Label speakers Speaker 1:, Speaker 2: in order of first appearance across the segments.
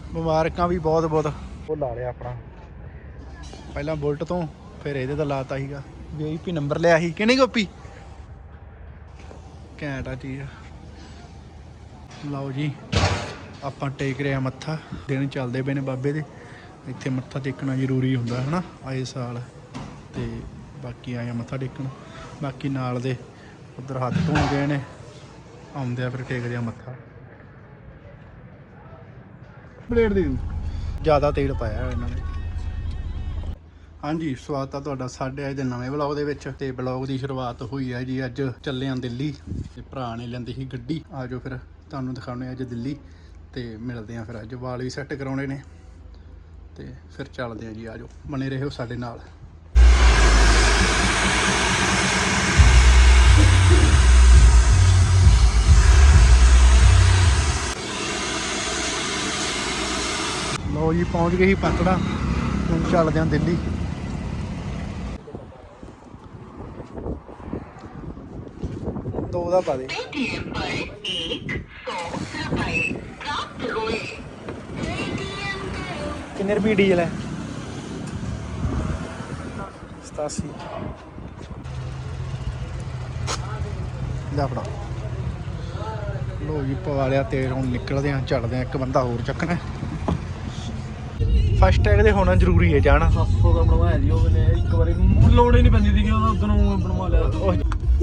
Speaker 1: ਮੁਬਾਰਕਾਂ ਵੀ ਬਹੁਤ ਬਹੁਤ। ਉਹ ਲਾ ਲਿਆ ਆਪਣਾ ਪਹਿਲਾਂ ਬੁਲਟ ਤੋਂ, ਫਿਰ ਇਹਦੇ ਦਾ ਲਾਤਾ ਸੀਗਾ VIP ਨੰਬਰ ਲਿਆ ਸੀ ਕਿ ਨਹੀਂ ਗੋਪੀ? ਘੈਂਟ ਆ ਚੀਜ਼। ਲਓ ਜੀ ਆਪਾਂ ਟੇਕ ਰਿਹਾ ਮੱਥਾ, ਦਿਨ ਚੱਲਦੇ ਪਏ ਨੇ ਬਾਬੇ ਦੇ। ਇੱਥੇ ਮੱਥਾ ਟੇਕਣਾ ਜ਼ਰੂਰੀ ਹੁੰਦਾ ਹੈ ਨਾ ਆਏ ਸਾਲ, ਤੇ ਬਾਕੀ ਆਏ ਮੱਥਾ ਟੇਕਣ। ਬਾਕੀ ਨਾਲ ਦੇ ਉੱਧਰ ਹੱਥ ਧੋ ਗਏ ਨੇ, ਆਉਂਦੇ ਆ ਫਿਰ ਟੇਕਦੇ ਆ ਮੱਥਾ। ਪਲੇਟ ਦੇ ਜ਼ਿਆਦਾ ਤੇਲ ਪਾਇਆ ਇਹਨਾਂ ਨੇ। ਹਾਂਜੀ ਸਵਾਗਤ ਆ ਤੁਹਾਡਾ ਸਾਡੇ ਅੱਜ ਦੇ ਨਵੇਂ ਵਲੌਗ ਦੇ ਵਿੱਚ। ਤੇ ਵਲੌਗ ਦੀ ਸ਼ੁਰੂਆਤ ਹੋਈ ਹੈ ਜੀ, ਅੱਜ ਚੱਲੇ ਆਂ ਦਿੱਲੀ। ਤੇ ਭਰਾ ਨੇ ਲੈਂਦੀ ਸੀ ਗੱਡੀ, ਆ ਜਾਓ ਫਿਰ ਤੁਹਾਨੂੰ ਦਿਖਾਉਣੇ ਅੱਜ ਦਿੱਲੀ। ਤੇ ਮਿਲਦੇ ਆਂ ਫਿਰ, ਅੱਜ ਵਾਲ ਵੀ ਸੈੱਟ ਕਰਾਉਣੇ ਨੇ ਤੇ ਫਿਰ ਚੱਲਦੇ ਆਂ ਜੀ। ਆ ਜਾਓ, ਬਣੇ ਰਹੋ ਸਾਡੇ ਨਾਲ। ਲਓ ਜੀ ਪਹੁੰਚ ਗਏ ਸੀ ਪਤੜਾ, ਹੁਣ ਚੱਲਦੇ ਆਂ ਦਿੱਲੀ। ਦੋ ਦਾ ਪਾ ਦੇ। ਕਿੰਨੇ ਰੁਪਏ ਡੀਜ਼ਲ ਹੈ? 87। ਲੈ ਫੜਾ। ਲੋ ਜੀ ਪਵਾ ਲਿਆ ਤੇਲ, ਹੁਣ ਨਿਕਲਦੇ ਆ, ਚੱਲਦੇ ਆ। ਇੱਕ ਬੰਦਾ ਹੋਰ ਚੱਕਣਾ। ਫਸਟ ਟੈਗ ਦੇ ਹੋਣਾ ਜ਼ਰੂਰੀ ਹੈ ਜਾਣਾ।
Speaker 2: 700 ਦਾ ਬਣਵਾਇਆ ਜੀ ਉਹਨੇ ਇੱਕ ਵਾਰੀ, ਲੋੜ ਹੀ ਨਹੀਂ ਪੈਂਦੀ ਸੀਗੀ, ਉਹਦਾ ਉਦੋਂ ਨੂੰ ਬਣਵਾ ਲਿਆ।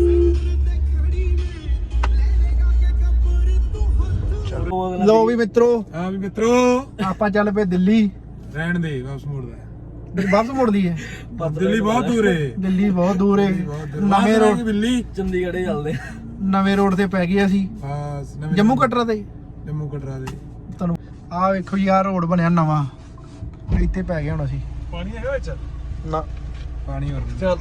Speaker 1: ਲੋ ਵੀ ਮਿੱਤਰੋ,
Speaker 2: ਹਾਂ ਵੀ ਮਿੱਤਰੋ,
Speaker 1: ਆਪਾਂ ਚੱਲ ਪਏ ਦਿੱਲੀ।
Speaker 2: ਰਹਿਣ ਦੇ, ਵਾਪਸ ਮੁੜਦਾ।
Speaker 1: ਵਾਪਸ ਮੁੜਦੀ ਹੈ?
Speaker 2: ਦਿੱਲੀ ਬਹੁਤ ਦੂਰ ਹੈ।
Speaker 1: ਦਿੱਲੀ ਬਹੁਤ ਦੂਰ ਹੈ। ਨਵੇਂ ਰੋਡ,
Speaker 2: ਦਿੱਲੀ ਚੰਡੀਗੜ੍ਹ ਚੱਲਦੇ।
Speaker 1: ਨਵੇਂ ਰੋਡ ਤੇ ਪੈ ਗਏ ਅਸੀਂ।
Speaker 2: ਹਾਂ
Speaker 1: ਜੰਮੂ ਕਟਰਾ ਤੇ।
Speaker 2: ਜੰਮੂ ਕਟਰਾ ਦੇ
Speaker 1: ਤੁਹਾਨੂੰ ਆਹ ਵੇਖੋ ਜੀ, ਆਹ ਰੋਡ ਬਣਿਆ ਨਵਾਂ, ਇੱਥੇ ਪੈ ਗਿਆ ਹੁਣ ਅਸੀਂ।
Speaker 2: ਪਾਣੀ ਹੈਗਾ ਵਿੱਚ?
Speaker 1: ਨਾ
Speaker 2: ਪਾਣੀ ਹੋਰ ਚੱਲ।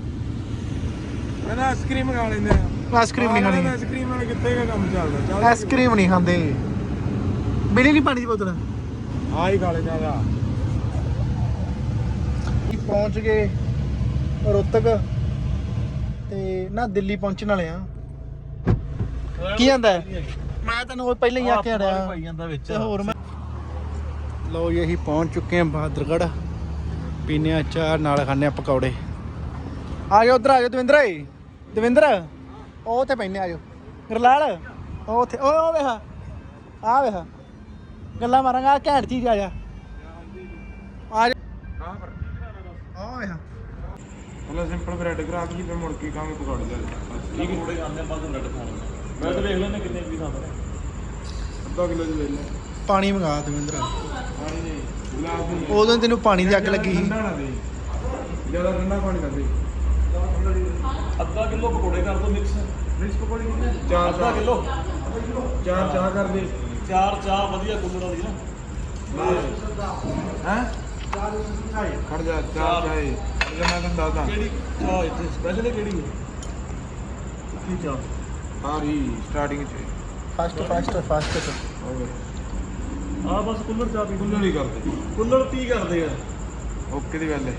Speaker 2: ਮੈਂ ਆਈਸਕ੍ਰੀਮ ਖਾ ਲੈਂਦੇ ਆ।
Speaker 1: ਆਈਸਕ੍ਰੀਮ ਨਹੀਂ ਖਾਣੀ।
Speaker 2: ਆਈਸਕ੍ਰੀਮ ਨਾਲ ਕਿੱਥੇ ਦਾ ਕੰਮ ਚੱਲਦਾ?
Speaker 1: ਆਈਸਕ੍ਰੀਮ ਨਹੀਂ ਖਾਂਦੇ। ਮਿਲੀ ਨਹੀਂ ਪਾਣੀ ਦੀ ਬੋਤਲ?
Speaker 2: ਆ ਹੀ ਖਾ ਲੈਂਦੇ ਆ।
Speaker 1: ਪਹੁੰਚ ਗਏ ਰੋਹਤਕ ਤੇ ਨਾ ਦਿੱਲੀ ਪਹੁੰਚਣ ਵਾਲੇ ਆ। ਕੀ ਜਾਂਦਾ? ਮੈਂ ਤੈਨੂੰ ਉਹ ਪਹਿਲਾਂ ਹੀ ਆ ਕੇ ਅੜਿਆ
Speaker 2: ਭਾਈ ਜਾਂਦਾ ਵਿੱਚ।
Speaker 1: ਤੇ ਹੋਰ ਮੈਂ। ਲਓ ਜੀ ਅਸੀਂ ਪਹੁੰਚ ਚੁੱਕੇ ਹਾਂ ਬਹਾਦਰਗੜ੍ਹ। ਪੀਨੇ ਆ ਚਾਹ, ਨਾਲ ਖਾਣੇ ਆ ਪਕੌੜੇ। ਆ ਜਾਓ ਉੱਧਰ, ਆ ਜਾਓ ਦਵਿੰਦਰ। ਦਵਿੰਦਰ ਉਹ ਉੱਥੇ ਪੈਨੇ, ਆ ਜਾਓ। ਗਰਲਾਲ ਉਹ ਉੱਥੇ, ਉਹ ਵੇਖ ਆ ਵੇਖ, ਗੱਲਾਂ ਮਾਰਾਂਗਾ। ਆ ਘੈਂਟ ਚੀਜ਼ ਆ ਜਾ, ਆ ਜਾ। ਆ ਵੇਖ
Speaker 2: ਪਹਿਲਾਂ ਸਿੰਪਲ ਬ੍ਰੈਡ ਕਰਾ ਕੇ ਫਿਰ ਮੁੜ ਕੇ ਖਾਵਾਂਗੇ ਪਕੌੜੇ ਦੇ। ਠੀਕ ਹੈ, ਥੋੜੇ ਖਾਂਦੇ ਆਪਾਂ ਬ੍ਰੈਡ ਖਾਣੇ। ਮੈਂ ਤਾਂ ਵੇਖ ਲੈਣੇ ਕਿੰਨੇ ਪੀਸ ਆਉਂਦੇ। ਅੱਧਾ ਕਿਲੋ ਦੀ ਲੈ ਲੈ।
Speaker 1: ਪਾਣੀ ਮੰਗਾ ਦਵਿੰਦਰ।
Speaker 2: ਪਾਣੀ ਨਹੀਂ, ਗਲਾਸ ਨਹੀਂ।
Speaker 1: ਉਦੋਂ ਤੈਨੂੰ ਪਾਣੀ ਦੀ ਅੱਗ ਲੱਗੀ ਸੀ।
Speaker 2: ਠੰਡਾ ਨਾ ਦੇ, ਜ਼ਿਆਦਾ ਠੰਡਾ ਪਾਣੀ ਨਾ ਦੇ। ਅੱਧਾ ਕਿਲੋ ਪਕੌੜੇ ਕਰ ਦੋ ਮਿਕਸ ਪਕੌੜੇ ਕਿੰਨੇ? 4 ਅੱਧਾ ਕਿਲੋ। 4 ਚਾਹ ਕਰ ਦੇ। 4 ਚਾਹ ਵਧੀਆ ਕੁੱਲਰ ਵਾਲੀ ਨਾ। ਹੈ ਖੜ ਜਾ। 4 ਚਾਹੇ ਮੈਂ ਤੁਹਾਨੂੰ ਦੱਸਦਾ ਕਿਹੜੀ ਚਾਹ ਇੱਥੇ ਸਪੈਸ਼ਲ ਹੈ। ਕਿਹੜੀ ਹੈ ਕੀ ਚਾਹ? ਆ ਰਹੀ ਸਟਾਰਟਿੰਗ ਚ
Speaker 1: ਫਾਸਟ
Speaker 2: ਆ ਬਸ ਕੁੱਲਰ ਚਾਹ ਪੀ। ਕੁੱਲਰ ਹੀ ਕਰਦੇ, ਕੁੱਲਰ ਕੀ ਕਰਦੇ ਆ? ਓਕੇ ਦੀ ਗੱਲ ਹੈ।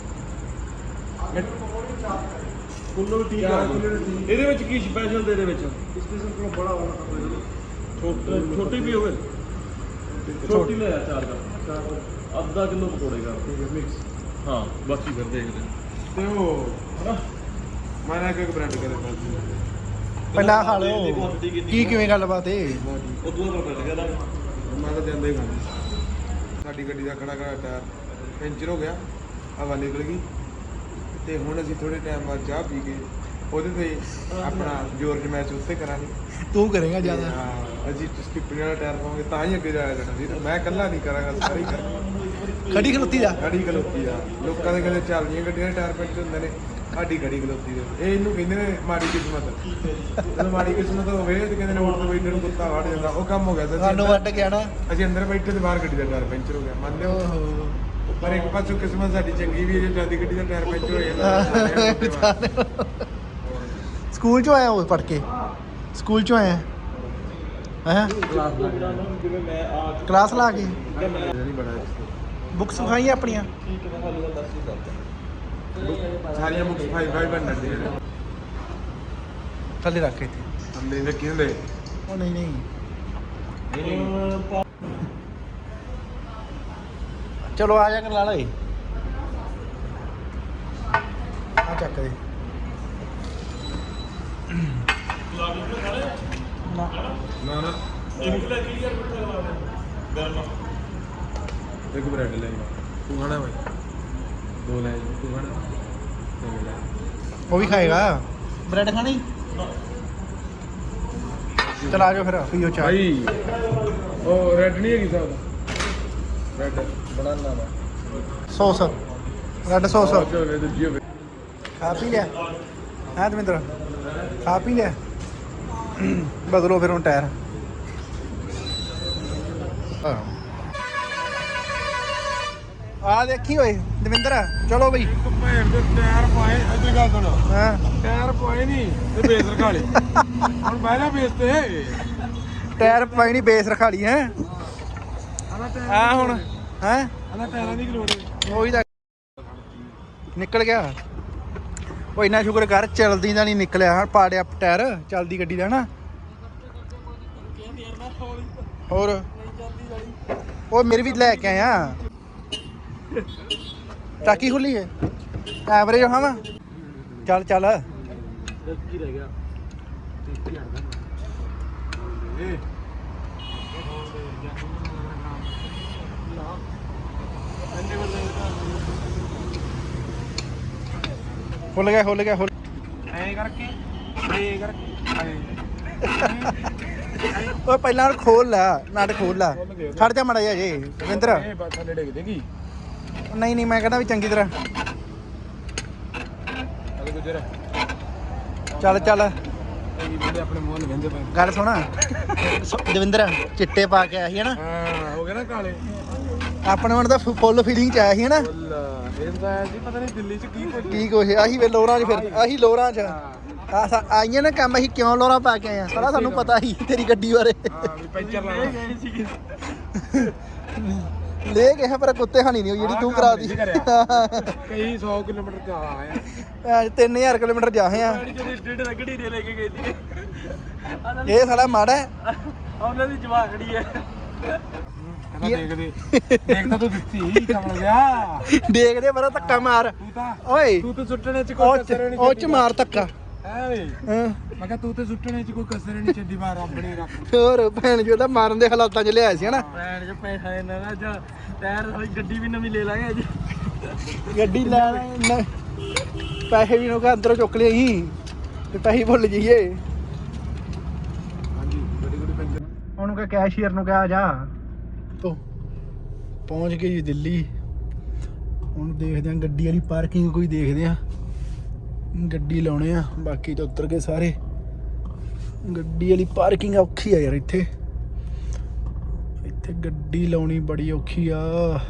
Speaker 2: ਕੁੱਲਰ ਠੀਕ ਆ। ਇਹਦੇ ਵਿੱਚ ਕੀ ਸਪੈਸ਼ਲ? ਦੇ ਵਿੱਚ ਸਪੈਸ਼ਲ ਕੋਲ ਬੜਾ ਹੋਣਾ, ਛੋਟੀ ਵੀ ਹੋਵੇ। ਛੋਟੀ ਲੈ ਆ 4 ਦਾ। ਅੱਧਾ ਕਿਲੋ ਪਕੌੜੇ ਕਰ। ਠੀਕ ਹੈ ਮਿਕਸ। ਹਾਂ ਬਾਕੀ ਫਿਰ ਦੇਖਦੇ ਤੇ ਉਹ ਹਨਾ। ਮੈਂ ਨਾ ਇੱਕ ਬ੍ਰੈਡ ਕਰੇ
Speaker 1: ਪਹਿਲਾਂ ਖਾ ਲਓ। ਕੀ ਕਿਵੇਂ ਗੱਲਬਾਤ ਏ?
Speaker 2: ਉਦੋਂ ਦਾ ਬ੍ਰੈਡ ਕਰਾ ਮੈਂ ਤਾਂ ਜਾਂਦਾ ਹੀ ਖਾਂਦਾ। ਸਾਡੀ ਗੱਡੀ ਦਾ ਖੜਾ ਟਾਇਰ ਪੈਂਚਰ ਹੋ ਗਿਆ, ਹਵਾ ਨਿਕਲ ਗਈ। ਤੇ ਹੁਣ ਅਸੀਂ ਥੋੜੇ ਟਾਈਮ ਬਾਅਦ ਚਾਹ ਪੀ ਕੇ ਉਹਦੇ ਤੇ ਆਪਣਾ ਜ਼ੋਰ ਜਮੈਚ ਉੱਤੇ ਕਰਾਂਗੇ।
Speaker 1: ਤੂੰ ਕਰੇਗਾ ਜ਼ਿਆਦਾ?
Speaker 2: ਅਸੀਂ ਸਕਿੱਪਿੰਗ ਵਾਲਾ ਟਾਇਰ ਪਾਵਾਂਗੇ ਤਾਂ ਹੀ ਅੱਗੇ ਜਾਇਆ ਜਾਣਾ ਵੀਰ। ਮੈਂ ਇਕੱਲਾ ਨਹੀਂ ਕਰਾਂਗਾ, ਸਾਰੇ ਹੀ ਕਰਾਂਗੇ।
Speaker 1: ਖੜੀ ਖਲੋਤੀ ਦਾ?
Speaker 2: ਖੜੀ ਖਲੋਤੀ ਦਾ। ਲੋਕਾਂ ਦੇ ਕਹਿੰਦੇ ਚੱਲਦੀਆਂ ਗੱਡੀਆਂ ਦੇ ਟਾਇਰ ਪੈਂਚਰ ਹੁੰਦੇ ਨੇ, ਸਾਡੀ ਖੜੀ ਖਲੋਤੀ ਦੇ। ਇਹ ਇਹਨੂੰ ਕਹਿੰਦੇ ਨੇ ਮਾੜੀ ਕਿਸਮਤ। ਜਦੋਂ ਮਾੜੀ ਕਿਸਮਤ ਹੋਵੇ ਤੇ ਕਹਿੰਦੇ ਨੇ ਉੱਠ ਕੇ ਬੈਠੇ ਨੂੰ ਕੁੱਤਾ ਵੜ ਜਾਂਦਾ। ਉਹ ਕੰਮ ਹੋ ਗਿਆ
Speaker 1: ਸਾਨੂੰ ਵੱਟ ਗਿਆ ਨਾ।
Speaker 2: ਅਸੀਂ ਅੰਦਰ ਬੈਠੇ ਤੇ ਬਾਹਰ ਗੱਡੀ ਦਾ ਟਾਇਰ ਪੈਂਚਰ ਹੋ ਗਿਆ। ਮੰਨਦੇ ਹੋ? ਪਰ ਇੱਕ ਪਾਸੋਂ ਕਿਸਮਤ ਸਾਡੀ ਚੰਗੀ ਵੀ ਹੈ, ਜੇ ਜਿਆਦਾ ਗੱਡੀ ਦਾ ਟਾਇਰ ਪੈਂਚਰ ਹੋ ਜਾਂਦਾ।
Speaker 1: ਸਕੂਲ ਚੋਂ ਆਇਆ ਉਹ ਪੜ ਕੇ? ਸਕੂਲ ਚੋਂ ਆਇਆ ਹੈ? ਕਲਾਸ ਲਾ ਕੇ ਬੁੱਕਸ ਵਿਖਾਈਆਂ ਆਪਣੀਆਂ?
Speaker 2: ਸਾਰੀਆਂ ਬੁੱਕਸ 5 ਬਣਨ ਦੀਆਂ ਨੇ।
Speaker 1: ਥੱਲੇ ਰੱਖ ਇੱਥੇ।
Speaker 2: ਥੱਲੇ ਰੱਖੀ ਹੁੰਦੇ?
Speaker 1: ਉਹ ਨਹੀਂ ਚਲੋ ਆ ਜਾ ਕਰ ਲਾ ਲੇ ਆ ਚੱਕ ਦੇ ਨਾ
Speaker 2: ਨਾ ਇੱਕ ਬ੍ਰੈਡ ਲੈ ਤੂੰ ਖਾਣਾ ਭਾਈ 2 ਲੈ ਤੂੰ ਖਾਣਾ
Speaker 1: ਉਹ ਵੀ ਖਾਏਗਾ ਬ੍ਰੈਡ ਖਾਣੀ ਚਲ ਆ ਜਾਓ ਫਿਰ ਪੀਓ ਚਾਹ
Speaker 2: ਭਾਈ ਉਹ ਰੈਡ ਨਹੀਂ ਹੈਗੀ ਸਾਹਿਬ ਰੈਡ ਬਣਾਉਣਾ ਵਾ
Speaker 1: ਸੌਸ ਰੈੱਡ ਸੌਸ
Speaker 2: ਚਲੋ ਦੂਜੀ ਹੋਵੇ
Speaker 1: ਖਾ ਪੀ ਲਿਆ ਹੈ ਦਵਿੰਦਰ ਖਾ ਪੀ ਲਿਆ ਬਦਲੋ ਫਿਰ ਹੁਣ ਟਾਇਰ ਆ ਦੇਖੀ ਓਏ ਦਵਿੰਦਰ ਚਲੋ ਬਈ
Speaker 2: ਇੱਕ ਭੈਣ ਦੇ ਟਾਇਰ ਪਾਏ ਇੱਧਰ ਗੱਲ ਸੁਣ
Speaker 1: ਹਾਂ
Speaker 2: ਟਾਇਰ ਪਾਏ ਨਹੀਂ ਤੇ ਬੇਸ ਰਖਾ ਲਈ ਹੁਣ ਪਹਿਲਾਂ ਬੇਸ ਤੇ
Speaker 1: ਟਾਇਰ ਪਾਈ ਨਹੀਂ ਬੇਸ ਰਖਾ ਲਈ ਹੈ ਆ ਹੁਣ ਹੈ
Speaker 2: ਆਲਾ ਟਾਇਰਾਂ ਦੀ ਕੀ ਲੋੜ ਹੈ
Speaker 1: ਉਹੀ ਤਾਂ ਨਿਕਲ ਗਿਆ ਉਹ ਇੰਨਾ ਸ਼ੁਕਰ ਕਰ ਚਲਦੀ ਦਾ ਨਹੀਂ ਨਿਕਲਿਆ ਹਾਂ ਪਾੜਿਆ ਟਾਇਰ ਚੱਲਦੀ ਗੱਡੀ ਦਾ ਨਾ ਹੋਰ ਉਹ ਮੇਰੀ ਵੀ ਲੈ ਕੇ ਆਇਆ ਟਾਕੀ ਖੁੱਲੀ ਹੈ ਐਵਰੇਜ ਹਾਂ ਵਾ ਚੱਲ ਚੱਲ
Speaker 2: ਕੀ ਰਹਿ ਗਿਆ 30000 ਦਾ
Speaker 1: ਖੁੱਲ ਗਿਆ ਖੁੱਲ ਗਿਆ ਖੁੱਲ
Speaker 2: ਐ ਕਰਕੇ
Speaker 1: ਓਏ ਪਹਿਲਾਂ ਉਹਨੂੰ ਖੋਲ ਲੈ ਨਟ ਖੋਲ ਲੈ ਖੜ ਜਾ ਮੜਾ ਜਾ ਜੇ ਰਵਿੰਦਰ
Speaker 2: ਇਹ ਬਾਤ ਥੱਲੇ ਡਿੱਗ ਦੇਗੀ
Speaker 1: ਨਹੀਂ ਨਹੀਂ ਮੈਂ ਕਹਿੰਦਾ ਵੀ ਚੰਗੀ ਤਰ੍ਹਾਂ
Speaker 2: ਅਰੇ ਗੁਜਰ
Speaker 1: ਚੱਲ ਚੱਲ
Speaker 2: ਇਹ ਬੰਦੇ ਆਪਣੇ ਮੂੰਹ ਨੂੰ ਵੰਦੇ ਪਏ
Speaker 1: ਗੱਲ ਸੁਣਾ ਦਵਿੰਦਰ ਚਿੱਟੇ ਪਾ ਕੇ ਆਇਆ ਸੀ ਹਨਾ
Speaker 2: ਹਾਂ ਹੋ ਗਿਆ ਨਾ ਕਾਲੇ
Speaker 1: ਆਪਣੇ ਮਨ ਦਾ ਫੁੱਲ ਫੀਲਿੰਗ ਚ ਆਇਆ ਸੀ ਹਨਾ
Speaker 2: ਇਹਦਾ ਜੀ ਪਤਾ ਨਹੀਂ ਦਿੱਲੀ ਚ
Speaker 1: ਕੀ ਕੁਛ ਆਹੀ ਵੇ ਲੋਰਾਂ 'ਚ ਫਿਰ ਆਹੀ ਲੋਰਾਂ 'ਚ ਆਈਆਂ ਨਾ ਕੰਮ ਅਸੀਂ ਕਿਉਂ ਲੋਰਾਂ ਪਾ ਕੇ ਆਏ ਆ ਸਾਰਾ ਸਾਨੂੰ ਪਤਾ ਸੀ ਤੇਰੀ ਗੱਡੀ ਬਾਰੇ
Speaker 2: ਹਾਂ ਵੀ ਪੈਂਚਰ ਲਾਉਣਾ ਗਏ ਸੀ
Speaker 1: ਲੈ ਗਏ ਪਰ ਕੁੱਤੇ ਹਾਨੀ ਨਹੀਂ ਹੋਈ ਜਿਹੜੀ ਤੂੰ ਕਰਾ ਦੀ
Speaker 2: ਕਈ 100 ਕਿਲੋਮੀਟਰ ਤੇ ਆਇਆ
Speaker 1: 3000 ਕਿਲੋਮੀਟਰ ਜਾਹੇ ਆ
Speaker 2: ਜਿਹੜੀ ਸਟੇਟ ਰਗੜੀ ਦੇ ਲੈ ਕੇ ਗਈ ਸੀ
Speaker 1: ਇਹ ਸਾਲਾ ਮਾੜਾ ਹੈ
Speaker 2: ਉਹਨਾਂ ਦੀ ਜਵਾਖੜੀ ਹੈ ਦੇਖ ਤਾਂ ਤੂੰ ਦਿੱਤੀ ਕਮਲ ਗਿਆ
Speaker 1: ਦੇਖਦੇ ਪਰ ਧੱਕਾ ਮਾਰ
Speaker 2: ਤੂੰ ਤਾਂ
Speaker 1: ਓਏ
Speaker 2: ਤੂੰ ਤਾਂ ਸੁੱਟਣੇ ਚ ਕੋਈ ਕਸਰ ਨਹੀਂ
Speaker 1: ਉਹ ਚ ਮਾਰ ਧੱਕਾ
Speaker 2: ਹੈ ਵੇ
Speaker 1: ਹਾਂ
Speaker 2: ਮੈਂ ਕਿਹਾ ਤੂੰ ਤੇ ਸੁੱਟਣੇ ਚ ਕੋਈ ਕਸਰ ਨਹੀਂ ਛੱਡੀ ਮਾਰ ਆਪਣੇ ਰੱਖ
Speaker 1: ਹੋਰ ਭੈਣ ਜੀ ਉਹਦਾ ਮਾਰਨ ਦੇ ਹਾਲਾਤਾਂ 'ਚ ਲਿਆਇਆ ਸੀ ਹਨਾ
Speaker 2: ਭੈਣ ਚ ਪੈਸਾ ਇਹਨਾਂ ਦਾ ਜਾਂ ਟਾਇਰ ਵਾਲੀ ਗੱਡੀ ਵੀ ਨਵੀਂ ਲੈ ਲਾਂਗੇ ਅੱਜ
Speaker 1: ਗੱਡੀ ਲੈ ਪੈਸੇ ਵੀ ਨੂੰ ਅੰਦਰੋਂ ਚੁੱਕ ਲਿਆ ਸੀ ਤੇ ਪੈਸੇ ਭੁੱਲ ਜਾਈਏ
Speaker 2: ਹਾਂਜੀ ਬੜੀ ਬੜੀ ਪੈਂਚਰ
Speaker 1: ਉਹਨੂੰ ਕਹ ਕੈਸ਼ੀਅਰ ਨੂੰ ਕਹਿ ਜਾ ਤੋ ਪਹੁੰਚ ਗਏ ਜੀ ਦਿੱਲੀ ਹੁਣ ਦੇਖਦੇ ਆ ਗੱਡੀ ਵਾਲੀ ਪਾਰਕਿੰਗ ਕੋਈ ਦੇਖਦੇ ਆ ਗੱਡੀ ਲਾਉਣੇ ਆ ਬਾਕੀ ਤਾਂ ਉੱਤਰ ਗਏ ਸਾਰੇ ਗੱਡੀ ਵਾਲੀ ਪਾਰਕਿੰਗ ਔਖੀ ਆ ਯਾਰ ਇੱਥੇ ਗੱਡੀ ਲਾਉਣੀ ਬੜੀ ਔਖੀ ਆ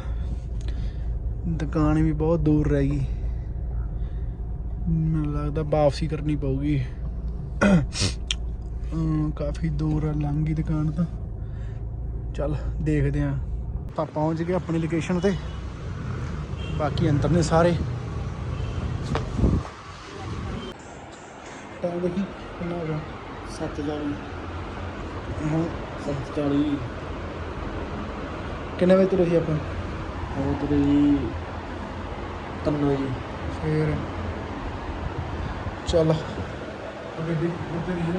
Speaker 1: ਦੁਕਾਨ ਵੀ ਬਹੁਤ ਦੂਰ ਰਹਿ ਗਈ ਮੈਨੂੰ ਲੱਗਦਾ ਵਾਪਸੀ ਕਰਨੀ ਪਊਗੀ ਕਾਫੀ ਦੂਰ ਆ ਲੰਘ ਗਈ ਦੁਕਾਨ ਤਾਂ ਚੱਲ ਦੇਖਦੇ ਆ ਆਪਾਂ ਪਹੁੰਚ ਗਏ ਆਪਣੀ ਲੋਕੇਸ਼ਨ ਤੇ ਬਾਕੀ ਅੰਦਰ ਨੇ ਸਾਰੇ ਟਾਈਮ ਦੇਖੀ ਕਿੰਨਾ ਹੋ ਗਿਆ 7:40 ਹਾਂ 7:40 ਕਿੰਨੇ ਵਜੇ ਤੁਰੇ ਸੀ ਆਪਾਂ
Speaker 2: ਉਹ ਤੇ ਜੀ 3 ਵਜੇ
Speaker 1: ਫੇਰ ਚੱਲ
Speaker 2: ਗੱਡੀ ਉੱਤੇ ਨਹੀਂ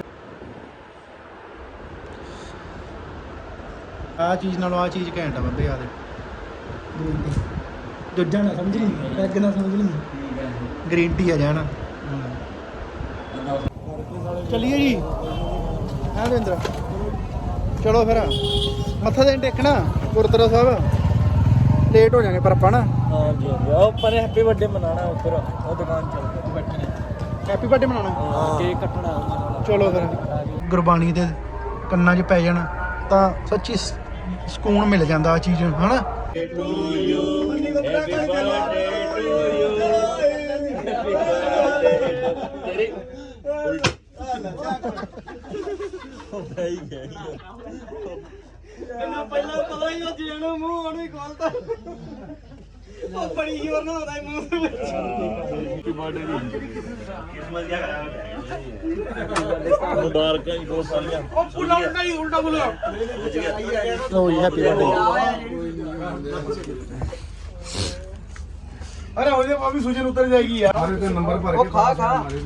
Speaker 1: ਆ ਚੀਜ਼ ਨਾਲੋਂ ਆ ਚੀਜ਼ ਘੈਂਟ ਆ ਬੰਦੇ ਆ ਦੇ ਦੂਜਾ ਨਾ ਸਮਝ ਲਈ ਪੈਗ ਨਾ ਸਮਝ ਲਈ ਗ੍ਰੀਨ ਟੀ ਆ ਜਾਣਾ ਚਲਿਏ ਜੀ ਹਾਂ ਰਵਿੰਦਰ ਚਲੋ ਫਿਰ ਮੱਥਾ ਦੇਣ ਟੇਕਣਾ ਗੁਰਦੁਆਰਾ ਸਾਹਿਬ ਲੇਟ ਹੋ ਜਾਣੇ ਪਰ ਆਪਾਂ ਨਾ
Speaker 2: ਹਾਂਜੀ ਉਹ ਪਰ ਹੈਪੀ ਬਰਥਡੇ ਮਨਾਣਾ ਉੱਪਰ ਉਹ ਦੁਕਾਨ ਚੱਲ ਬੈਠੇ ਨੇ
Speaker 1: ਹੈਪੀ ਬਰਥਡੇ ਮਨਾਉਣਾ
Speaker 2: ਹਾਂ ਕੇਕ ਕੱਟਣਾ
Speaker 1: ਚਲੋ ਫਿਰ ਗੁਰਬਾਣੀ ਦੇ ਕੰਨਾਂ 'ਚ ਪੈ ਜਾਣਾ ਤਾਂ ਸੱਚੀ ਸਕੂਨ ਮਿਲ ਜਾਂਦਾ ਆ ਚੀਜ਼ ਹਨਾ ਪਹਿਲਾਂ ਪਤਾ ਹੀ ਉਹ ਜਿਹਨੂੰ ਮੂੰਹ ਉਹਨੂੰ ਹੀ ਖੋਲਦਾ ਉਹ ਬੜੀ ਜ਼ੋਰ ਨਾਲ ਹੁੰਦਾ ਮੂੰਹ ਦੇ ਵਿੱਚ
Speaker 2: ਮੁਬਾਰਕਾਂ ਜੀ ਬਹੁਤ ਸਾਰੀਆਂ
Speaker 1: ਉਹ ਪੁੱਲਾ ਉਲਟਾ ਹੀ ਉਲਟਾ ਬੋਲੋ ਲੋ ਜੀ ਹੈਪੀ ਬਰਥਡੇ अरे हो जाए अभी सूजन उतर जाएगी यार।
Speaker 3: अरे तो नंबर भर के खा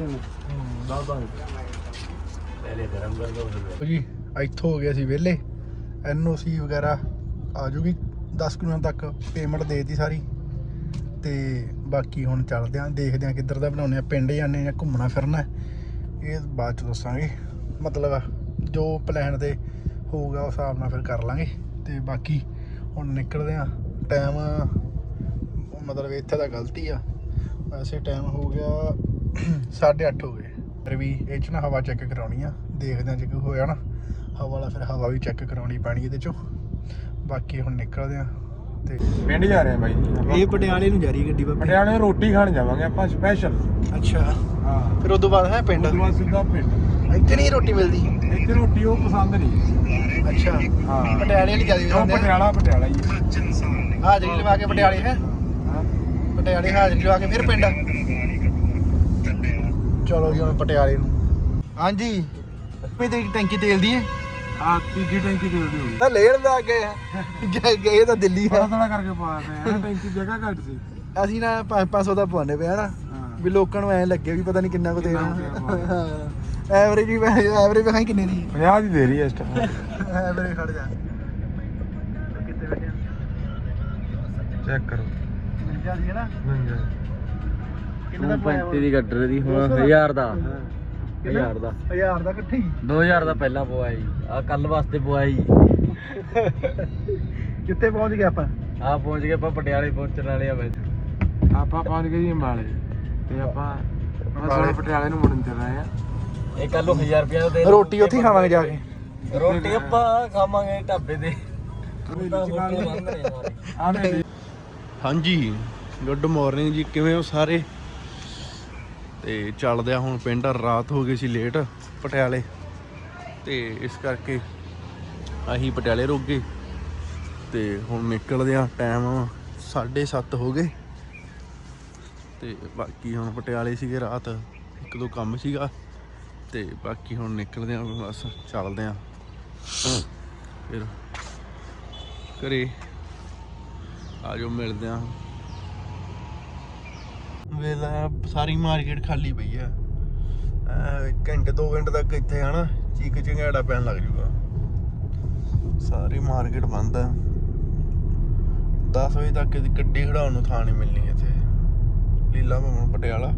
Speaker 2: पहले गरम कर दो
Speaker 1: जी ਇੱਥੋਂ ਹੋ ਗਿਆ ਸੀ ਵਿਹਲੇ। NOC ਵਗੈਰਾ ਆ ਜੂਗੀ 10 ਦਿਨਾਂ ਤੱਕ, ਪੇਮੈਂਟ ਦੇਤੀ ਸਾਰੀ। ਤੇ ਬਾਕੀ ਹੁਣ ਚੱਲਦੇ ਆਂ, ਦੇਖਦੇ ਆਂ ਕਿੱਧਰ ਦਾ ਬਣਾਉਂਦੇ ਆ, ਪਿੰਡ ਜਾਂਦੇ ਜਾਂ ਘੁੰਮਣਾ ਫਿਰਨਾ ਇਹ ਬਾਅਦ ਚ ਦੱਸਾਂਗੇ। ਮਤਲਬ ਜੋ ਪਲਾਨ ਤੇ ਹੋਊਗਾ ਉਸ ਹਿਸਾਬ ਨਾਲ ਫਿਰ ਕਰ ਲਾਂਗੇ। ਤੇ ਬਾਕੀ ਹੁਣ ਨਿਕਲਦੇ ਆਂ। ਟਾਈਮ ਮਤਲਬ ਇੱਥੇ ਤਾਂ ਗਲਤੀ ਆ, ਵੈਸੇ ਟਾਈਮ ਹੋ ਗਿਆ 8:30 ਹੋ ਗਏ। ਫਿਰ ਵੀ ਇਹ 'ਚ ਨਾ ਹਵਾ ਚੈੱਕ ਕਰਾਉਣੀ ਆ, ਦੇਖਦੇ ਆਂ ਜੇ ਕੋਈ ਹੋਇਆ ਨਾ ਹਵਾ ਵਾਲਾ ਫਿਰ ਹਵਾ ਵੀ ਚੈੱਕ ਕਰਾਉਣੀ ਪੈਣੀ ਇਹਦੇ 'ਚੋਂ। ਬਾਕੀ ਹੁਣ ਨਿਕਲਦੇ ਆਂ ਤੇ
Speaker 3: ਪਿੰਡ ਜਾ ਰਹੇ ਆ ਬਾਈ ਜੀ।
Speaker 1: ਇਹ ਪਟਿਆਲੇ ਨੂੰ ਜਾ ਰਹੀ ਗੱਡੀ ਬਾਬੇ।
Speaker 3: ਪਟਿਆਲੇ ਰੋਟੀ ਖਾਣ ਜਾਵਾਂਗੇ ਆਪਾਂ ਸਪੈਸ਼ਲ।
Speaker 1: ਅੱਛਾ
Speaker 3: ਹਾਂ
Speaker 1: ਫਿਰ ਉਦੋਂ ਬਾਅਦ ਹੈ ਪਿੰਡ।
Speaker 3: ਉਸ ਤੋਂ ਬਾਅਦ ਸਿੱਧਾ ਪਿੰਡ।
Speaker 1: ਇੱਥੇ ਨਹੀਂ ਰੋਟੀ ਮਿਲਦੀ।
Speaker 3: ਇੱਥੇ ਰੋਟੀ ਉਹ ਪਸੰਦ ਨਹੀਂ।
Speaker 1: ਅੱਛਾ
Speaker 3: ਹਾਂ
Speaker 1: ਪਟਿਆਲੇ ਵਾਲੀ ਜਿਆਦਾ
Speaker 3: ਉਹ
Speaker 1: ਖਾਂਦੇ
Speaker 3: ਪਟਿਆਲਾ ਹੀ ਹੈ।
Speaker 1: ਹਾਜ਼ਰੀ ਲਵਾ ਕੇ ਪਟਿਆਲੇ ਹੈ,
Speaker 3: ਹਾਂ
Speaker 1: ਪਟਿਆਲੇ ਹਾਜ਼ਰੀ ਲਵਾ ਕੇ ਫਿਰ ਪਿੰਡ। ਚਲੋ ਜੀ ਹੁਣ ਪਟਿਆਲੇ ਨੂੰ। ਹਾਂਜੀ ਕਿੰਨੀ ਤੇਰੀ ਟੈਂਕੀ ਤੇਲ ਦੀ ਹੈ?
Speaker 3: ਆ ਤੀਜੀ ਟੈਂਕੀ ਦੇ ਦਿਓ।
Speaker 1: ਤਾਂ ਲੇਣ ਦਾ ਗਏ ਤਾਂ ਦਿੱਲੀ
Speaker 3: ਥੋੜਾ
Speaker 1: ਹੈ।
Speaker 3: ਥੋੜਾ ਕਰਕੇ ਪਾ ਦੇ ਟੈਂਕੀ ਜਗ੍ਹਾ ਘੱਟ ਸੀ।
Speaker 1: ਅਸੀਂ ਨਾ 500 ਦਾ ਪਵਾਉਂਦੇ ਪਏ ਹਨਾ, ਵੀ ਲੋਕਾਂ ਨੂੰ ਐ ਲੱਗੇ ਵੀ ਪਤਾ ਨਹੀਂ ਕਿੰਨਾ ਕੁ ਤੇਲ ਐਵਰੇਜ ਵੀ ਐਵਰੇਜ ਵਿਖਾਈ ਕਿੰਨੇ ਦੀ
Speaker 3: 50 ਦੀ ਦੇ ਰਹੀ ਹੈ ਇਸ ਟਾਈਮ।
Speaker 1: ਐਵਰੇਜ ਖੜ ਜਾ ਕਿੱਥੇ ਬੈਠੇ
Speaker 3: ਚੈੱਕ ਕਰੋ।
Speaker 1: 50 ਦੀ ਹੈ ਨਾ।
Speaker 3: ਨਹੀਂ
Speaker 1: ਕਿੰਨੇ ਦਾ ਪਵਾਇਆ
Speaker 4: 35 ਦੀ ਗੱਡਰ ਦੀ ਹੁਣ 1000 ਦਾ
Speaker 1: 1000
Speaker 4: ਦਾ
Speaker 1: 1000 ਦਾ ਇਕੱਠੇ ਹੀ
Speaker 4: 2000 ਦਾ ਪਹਿਲਾਂ ਪਵਾਇਆ ਜੀ, ਆ ਕੱਲ ਵਾਸਤੇ ਪਵਾਇਆ ਜੀ।
Speaker 1: ਕਿੱਥੇ ਪਹੁੰਚ ਗਏ ਆਪਾਂ?
Speaker 4: ਆ ਪਹੁੰਚ ਗਏ ਆਪਾਂ, ਪਟਿਆਲੇ ਪਹੁੰਚਣ ਵਾਲੇ ਆ ਵਿੱਚ।
Speaker 3: ਆਪਾਂ ਪਹੁੰਚ ਗਏ ਜੀ ਅੰਬਾਲੇ ਤੇ ਆਪਾਂ ਪਟਿਆਲੇ ਨੂੰ ਮੁੜਨ ਚੱਲ ਰਹੇ ਆ।
Speaker 4: ਇਹ ਕੱਲ ਨੂੰ 1000 ਰੁਪਏ ਦਾ ਦੇ
Speaker 1: ਰੋਟੀ ਉੱਥੇ ਹੀ ਖਾਵਾਂਗੇ ਜਾ ਕੇ।
Speaker 4: ਰੋਟੀ ਆਪਾਂ ਖਾਵਾਂਗੇ ਢਾਬੇ ਤੇ।
Speaker 3: ਆ ਦੇ
Speaker 1: ਹਾਂਜੀ ਗੁੱਡ ਮਾਰਨਿੰਗ ਜੀ, ਕਿਵੇਂ ਹੋ ਸਾਰੇ? ਤੇ ਚੱਲਦੇ ਆ ਹੁਣ ਪਿੰਡ। ਰਾਤ ਹੋ ਗਈ ਸੀ ਲੇਟ ਪਟਿਆਲੇ, ਤੇ ਇਸ ਕਰਕੇ ਅਸੀਂ ਪਟਿਆਲੇ ਰੁਕ ਗਏ ਤੇ ਹੁਣ ਨਿਕਲਦੇ ਆ। ਟਾਈਮ 7:30 ਹੋ ਗਏ ਤੇ ਬਾਕੀ ਹੁਣ ਪਟਿਆਲੇ ਸੀਗੇ ਰਾਤ, ਇੱਕ ਦੋ ਕੰਮ ਸੀਗਾ ਤੇ ਬਾਕੀ ਹੁਣ ਨਿਕਲਦੇ ਆ, ਬਸ ਚੱਲਦੇ ਆ ਫਿਰ ਘਰੇ। ਆਜੋ ਮਿਲਦੇ ਆ। ਵੇਲਾ ਸਾਰੀ ਮਾਰਕੀਟ ਖਾਲੀ ਪਈ ਆ। ਘੰਟੇ 2 ਘੰਟੇ ਤੱਕ ਇੱਥੇ ਹਨਾ ਚੀਕ ਚਿੰਗਾੜਾ ਪੈਣ ਲੱਗ ਜੂਗਾ। ਸਾਰੀ ਮਾਰਕੀਟ ਬੰਦ ਆ। 10 ਵਜੇ ਤੱਕ ਇਹਦੀ ਗੱਡੀ ਖੜਾਉਣ ਨੂੰ ਥਾਂ ਨਹੀਂ ਮਿਲਣੀ ਇੱਥੇ ਲੀਲਾ ਭਵਨ ਪਟਿਆਲਾ।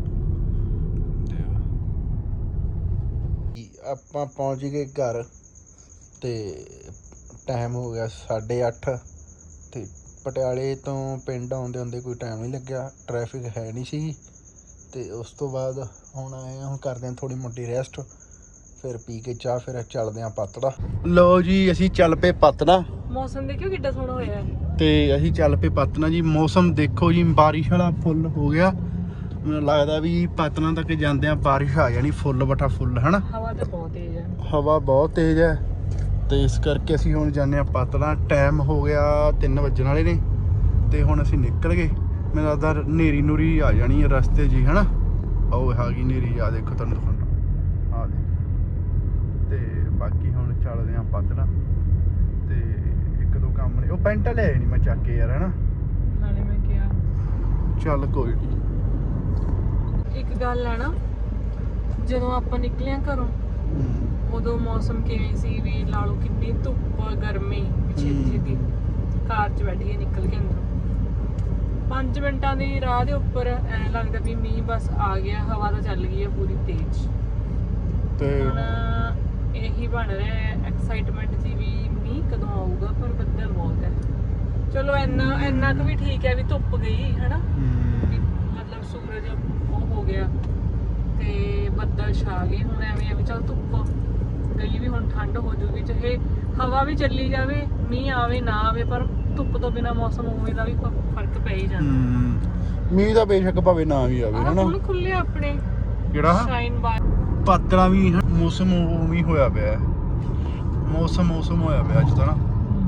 Speaker 1: ਆਪਾਂ ਪਹੁੰਚ ਗਏ ਘਰ ਤੇ ਟਾਈਮ ਹੋ ਗਿਆ 8:30 ਤੇ ਪਟਿਆਲੇ ਤੋਂ ਪਿੰਡ ਆਉਂਦੇ ਹੁੰਦੇ ਕੋਈ ਟਾਈਮ ਨਹੀਂ ਲੱਗਿਆ, ਟ੍ਰੈਫਿਕ ਹੈ ਨਹੀਂ ਸੀ। ਤੇ ਉਸ ਤੋਂ ਬਾਅਦ ਹੁਣ ਆਏ ਹਾਂ, ਹੁਣ ਕਰਦੇ ਹਾਂ ਥੋੜੀ ਮੋਟੀ ਰੈਸਟ, ਫਿਰ ਪੀ ਕੇ ਚਾਹ ਫਿਰ ਚੱਲਦੇ ਹਾਂ ਪਤੜਾ। ਲਓ ਜੀ ਅਸੀਂ ਚੱਲ ਪਏ ਪਤੜਾ।
Speaker 5: ਮੌਸਮ ਦੇਖਿਓ ਕਿੱਡਾ ਸੋਹਣਾ ਹੋਇਆ ਹੈ।
Speaker 1: ਤੇ ਅਸੀਂ ਚੱਲ ਪਏ ਪਤਨਾ ਜੀ। ਮੌਸਮ ਦੇਖੋ ਜੀ, ਬਾਰਿਸ਼ ਵਾਲਾ ਫੁੱਲ ਹੋ ਗਿਆ। ਮੈਨੂੰ ਲੱਗਦਾ ਵੀ ਪਤਨਾ ਤੱਕ ਜਾਂਦੇ ਆ ਬਾਰਿਸ਼ ਆ ਜਾਣੀ, ਫੁੱਲ ਬਟਾ ਫੁੱਲ ਹਨਾ।
Speaker 5: ਹਵਾ ਤਾਂ ਬਹੁਤ ਤੇਜ਼ ਹੈ।
Speaker 1: ਹਵਾ ਬਹੁਤ ਤੇਜ਼ ਹੈ ਤੇ ਇਸ ਕਰਕੇ ਅਸੀਂ ਹੁਣ ਜਾਂਦੇ ਆ ਪਤਨਾ। ਟਾਈਮ ਹੋ ਗਿਆ 3 ਵੱਜਣ ਵਾਲੇ ਨੇ ਤੇ ਹੁਣ ਅਸੀਂ ਨਿਕਲ ਗਏ। ਮੈਨੂੰ ਲੱਗਦਾ ਹਨੇਰੀ ਨੂਰੀ ਆ ਜਾਣੀ ਹੈ ਰਸਤੇ ਜੀ ਹਨਾ। ਉਹ ਹੈਗੀ ਹਨੇਰੀ, ਆ ਦੇਖੋ ਤੁਹਾਨੂੰ ਦਿਖਾਉਣਾ, ਆ ਦੇ। ਤੇ ਬਾਕੀ ਹੁਣ ਚੱਲਦੇ ਆ ਪਤਨਾ ਤੇ ਇੱਕ ਦੋ ਕੰਮ ਨੇ। ਉਹ ਪੈਂਟ ਲੈ ਨਹੀਂ ਮੈਂ ਚੱਕ ਕੇ ਯਾਰ ਹਨਾ।
Speaker 5: ਨਾਲੇ ਮੈਂ ਕਿਹਾ
Speaker 1: ਚੱਲ ਕੋਈ ਨਹੀਂ।
Speaker 5: ਇੱਕ ਗੱਲ ਹੈ ਨਾ, ਜਦੋਂ ਆਪਾਂ ਨਿਕਲਿਆ ਘਰੋਂ ਉਦੋਂ ਮੌਸਮ ਕਿਵੇਂ ਸੀ ਵੀ ਲਾ ਲਓ, ਕਿੰਨੀ ਧੁੱਪ ਗਰਮੀ, ਛੇਤੀ ਛੇਤੀ ਕਾਰ 'ਚ ਬੈਠੀਏ ਨਿਕਲ ਕੇ ਅੰਦਰੋਂ 5 ਮਿੰਟਾਂ ਦੀ ਰਾਹ ਦੇ ਉੱਪਰ ਐਂ ਲੱਗਦਾ ਵੀ ਮੀਂਹ ਬਸ ਆ ਗਿਆ, ਹਵਾ ਤਾਂ ਚੱਲ ਗਈ ਹੈ ਪੂਰੀ ਤੇਜ਼।
Speaker 1: ਤੇ
Speaker 5: ਹੁਣ ਇਹੀ ਬਣ ਰਿਹਾ ਹੈ ਐਕਸਾਈਟਮੈਂਟ ਜੀ ਵੀ ਮੀਂਹ ਕਦੋਂ ਆਊਗਾ, ਪਰ ਬੱਦਲ ਬਹੁਤ ਹੈ। ਚਲੋ ਇੰਨਾ ਕੁ ਵੀ ਠੀਕ ਹੈ ਵੀ ਧੁੱਪ ਗਈ ਹੈ ਨਾ, ਵੀ ਮਤਲਬ ਸੂਰਜ ਉਹ ਹੋ ਗਿਆ ਤੇ ਬੱਦਲ ਛਾ ਗਏ। ਹੁਣ ਐਵੇਂ ਆ ਵੀ ਚੱਲ ਧੁੱਪ ਗਈ ਵੀ ਹੁਣ ਠੰਡ ਹੋ ਜੂਗੀ, ਚਾਹੇ ਹਵਾ ਵੀ ਚੱਲੀ ਜਾਵੇ, ਮੀਂਹ ਆਵੇ ਨਾ ਆਵੇ, ਪਰ ਧੁੱਪ ਤੋਂ ਬਿਨਾ ਮੌਸਮ ਉਵੇਂ ਦਾ ਵੀ ਫਰਕ ਪੈ ਹੀ ਜਾਂਦਾ।
Speaker 1: ਮੀਂਹ ਦਾ ਬੇਸ਼ੱਕ ਭਾਵੇਂ ਨਾ ਵੀ ਆਵੇ ਹਨਾ।
Speaker 5: ਹੁਣ ਖੁੱਲੇ ਆਪਣੇ
Speaker 1: ਕਿਹੜਾ
Speaker 5: ਸ਼ਾਈਨ ਬਾਰ
Speaker 1: ਪਾਤਲਾ ਵੀ ਮੌਸਮ ਉਵੇਂ ਹੋਇਆ ਪਿਆ। ਮੌਸਮ ਹੋਇਆ ਪਿਆ ਅੱਜ ਤਾਂ ਨਾ।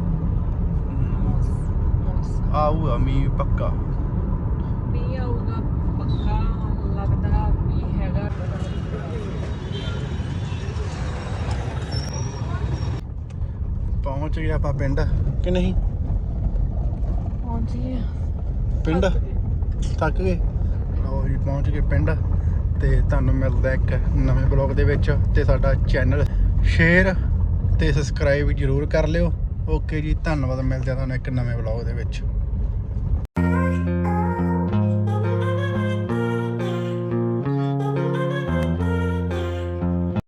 Speaker 1: ਆਊਗਾ ਮੀਂਹ ਪੱਕਾ।
Speaker 5: ਮੀਂਹ ਆਊਗਾ ਪੱਕਾ, ਲੱਗਦਾ ਮੀਂਹ ਹੈਗਾ।
Speaker 1: ਪਹੁੰਚ ਗਏ ਆਪਾਂ ਪਿੰਡ ਕਿ ਨਹੀਂ?
Speaker 5: ਪਹੁੰਚੀ
Speaker 1: ਪਿੰਡ ਥੱਕ ਗਏ। ਲਓ ਜੀ ਪਹੁੰਚ ਗਏ ਪਿੰਡ ਤੇ ਤੁਹਾਨੂੰ ਮਿਲਦਾ ਇੱਕ ਨਵੇਂ ਬਲੌਗ ਦੇ ਵਿੱਚ। ਤੇ ਸਾਡਾ ਚੈਨਲ ਸ਼ੇਅਰ ਤੇ ਸਬਸਕ੍ਰਾਈਬ ਜ਼ਰੂਰ ਕਰ ਲਿਓ। ਓਕੇ ਜੀ, ਧੰਨਵਾਦ। ਮਿਲਦੇ ਆ ਤੁਹਾਨੂੰ ਇੱਕ ਨਵੇਂ ਬਲੌਗ ਦੇ ਵਿੱਚ।